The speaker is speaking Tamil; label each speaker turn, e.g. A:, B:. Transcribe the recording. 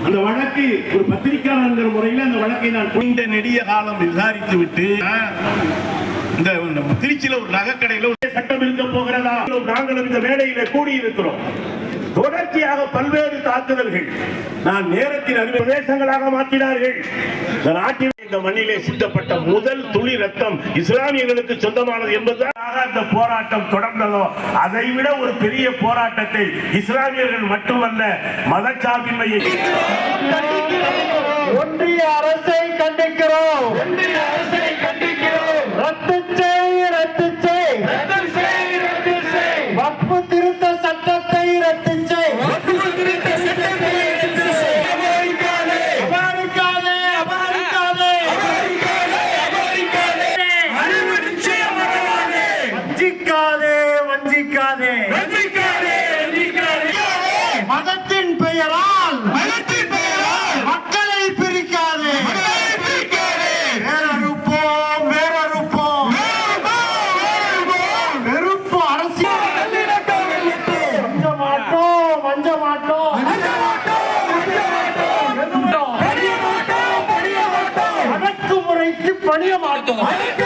A: அந்த வழக்கு ஒரு பத்திரிகையாளர் முறையில் அந்த வழக்கை நான் நீண்ட நெடிய காலம் விசாரித்து விட்டு இந்த திருச்சியில ஒரு நகைக்கடையில சட்டம் இருக்க போகிறதா, நாங்களும் இந்த வேலையில கூடியிருக்கிறோம். தொடர்ச்சியாக பல்வேறு தாக்குதல்கள் நான் நேரத்தில் பிரதேசங்களாக மாற்றினார்கள். இந்த நாட்டில் இந்த மண்ணிலே சிந்தப்பட்ட முதல் துளி ரத்தம் இஸ்லாமியர்களுக்கு சொந்தமானது என்பதாக அந்த போராட்டம் தொடர்ந்ததோ அதை விட ஒரு பெரிய போராட்டத்தை இஸ்லாமியர்கள் மட்டுமல்ல மதச்சார்பின்மையை
B: ஒன்றிய அரசை கண்டிக்கிறோம். ரத்து செய் வக்ஃபு திருத்த சட்டத்தை ரத்து செய். வஞ்சிக்காதே. மதத்தின் பெயரால் மக்களை பிரிக்காதே. வேறறுப்போம். வெறுப்பு அரசியல் வஞ்ச மாட்டோம். அடக்குமுறைக்கு பணிய மாட்டோம்.